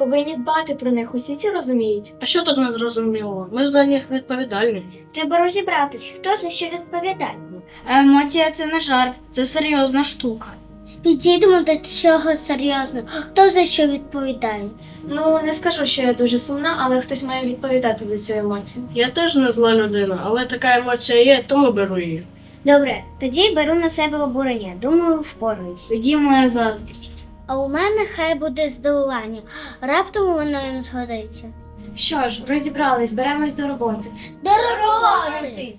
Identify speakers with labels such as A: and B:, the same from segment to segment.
A: повинні дбати про них, усі ці розуміють.
B: А що тут не зрозуміло? Ми ж за них відповідальні.
C: Треба розібратись, хто за що відповідає.
D: Емоція – це не жарт, це серйозна штука.
C: Підійдемо до цього серйозно. Хто за що відповідає?
A: Ну, не скажу, що я дуже сумна, але хтось має відповідати за цю емоцію.
B: Я теж не зла людина, але така емоція є, тому беру її.
C: Добре, тоді беру на себе обурення. Думаю, впораюсь.
D: Тоді моя заздрість.
C: А у мене хай буде здивування. Раптом воно їм згодиться.
A: Що ж, розібрались, беремось до роботи.
C: До роботи!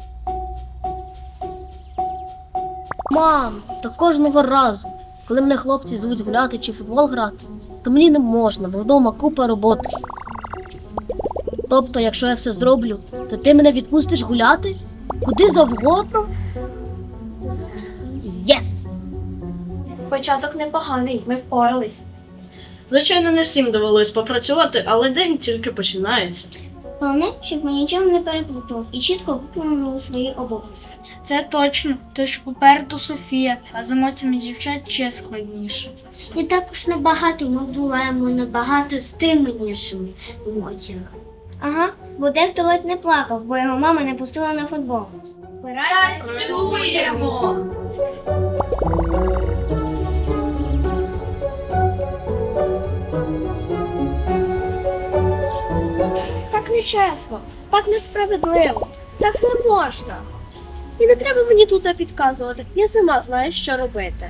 E: Мам, та кожного разу, коли мене хлопці звуть гуляти чи в футбол грати, то мені не можна, бо вдома купа роботи. Тобто, якщо я все зроблю, то ти мене відпустиш гуляти? Куди завгодно? Єс!
A: Початок непоганий, ми впорались.
B: Звичайно, не всім довелось попрацювати, але день тільки починається.
C: Головне, щоб ми нічого не переплутали і чітко виконували свої обов'язки.
D: Це точно, тож попереду Софія, а з емоціями дівчат ще складніше.
C: І також набагато ми буваємо набагато стриманішими емоціями. Ага, бо дехто ледь не плакав, бо його мама не пустила на футбол.
A: Працюємо!
C: Так нечесно, так несправедливо, так не можна. І не треба мені тут підказувати, я сама знаю, що робити.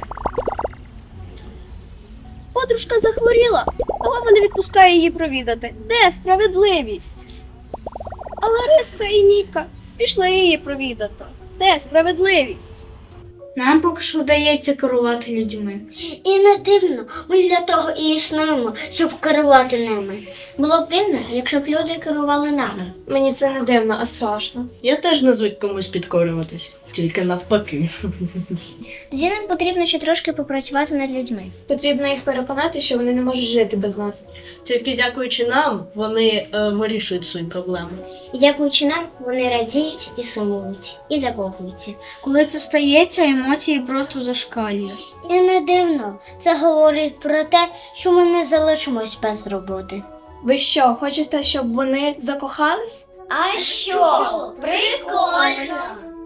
C: Подружка захворіла, а мама не відпускає її провідати. Де справедливість? А Лариска і Ніка пішли її провідати. Де справедливість?
D: Нам поки що вдається керувати людьми.
C: І не дивно, ми для того і існуємо, щоб керувати ними. Було б дивно, якщо б люди керували нами.
A: Мені це не дивно, а страшно.
B: Я теж не звик комусь підкорюватись, тільки навпаки.
C: Тоді нам потрібно ще трошки попрацювати над людьми.
A: Потрібно їх переконати, що вони не можуть жити без нас.
B: Тільки дякуючи нам, вони вирішують свої проблеми.
C: І дякуючи нам, вони радіють і сумують, і закохуються.
D: Коли це стається, емоції просто зашкалює.
C: І не дивно, це говорить про те, що ми не залишимось без роботи.
A: Ви що, хочете, щоб вони закохались?
C: А що? Прикольно!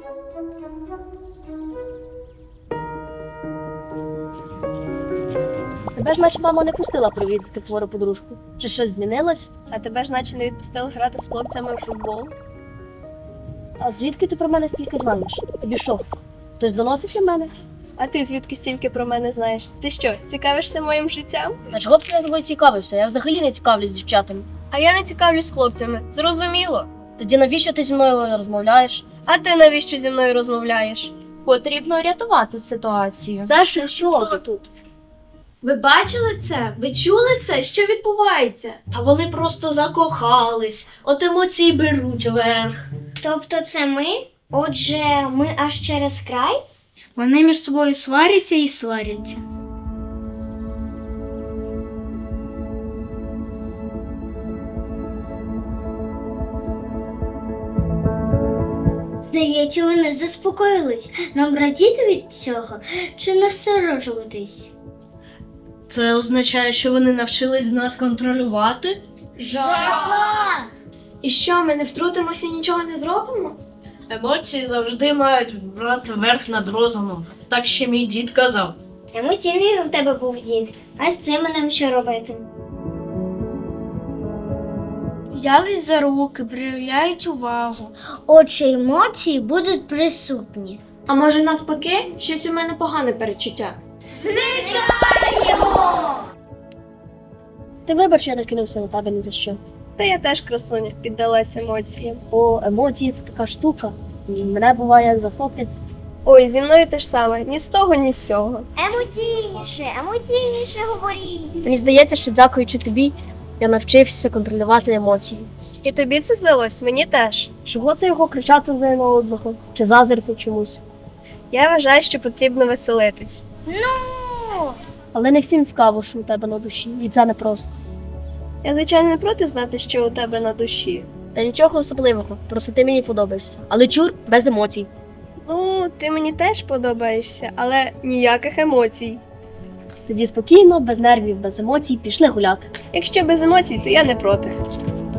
E: Тебе ж наче мама не пустила провідати хвору подружку. Чи щось змінилось?
A: А тебе ж наче не відпустили грати з хлопцями в футбол?
E: А звідки ти про мене стільки знаєш? Тобі що? Хтось доносить на мене?
A: А ти звідки стільки про мене знаєш? Ти що, цікавишся моїм життям?
E: А чого б це я тобою цікавився? Я взагалі не цікавлюсь дівчатами.
A: А я не цікавлюсь хлопцями, зрозуміло.
E: Тоді навіщо ти зі мною розмовляєш?
A: А ти навіщо зі мною розмовляєш? Потрібно рятувати ситуацію.
E: Це що тут?
A: Ви бачили це? Ви чули це? Що відбувається?
B: Та вони просто закохались, от емоції беруть верх.
C: Тобто це ми? Отже, ми аж через край?
D: Вони між собою сваряться і сваряться.
C: Здається, вони заспокоїлись. Нам радіти від цього чи насторожуватись?
B: Це означає, що вони навчились нас контролювати?
C: Жах!
A: І що, ми не втрутимося і нічого не зробимо?
B: Емоції завжди мають брати верх над розумом. Так ще мій дід казав.
C: Емоційний у тебе був дід. А з цим нам що робити?
D: Взялись за руки, проявляють увагу.
C: Отже, емоції будуть присутні.
A: А може навпаки, щось у мене погане перечуття.
E: Ти вибач, я накинувся на тебе ні за що.
A: Та я теж, красуня, піддалась емоціям.
E: О, емоції це така штука. Мене буває захоплюється.
A: Ой, зі мною те ж саме, ні з того, ні з сього.
C: Емоційніше говоріть.
E: Мені здається, що дякуючи тобі, я навчився контролювати емоції.
A: І тобі це здалось, мені теж.
E: Чого це його кричати один на одного? Чи заздрити чомусь?
A: Я вважаю, що потрібно веселитись.
E: Але не всім цікаво, що у тебе на душі, і це непросто.
A: Я, звичайно, не проти знати, що у тебе на душі.
E: Та нічого особливого, просто ти мені подобаєшся. Але чур без емоцій.
A: Ну, ти мені теж подобаєшся, але ніяких емоцій.
E: Тоді спокійно, без нервів, без емоцій пішли гуляти.
C: Якщо без емоцій, то я не проти.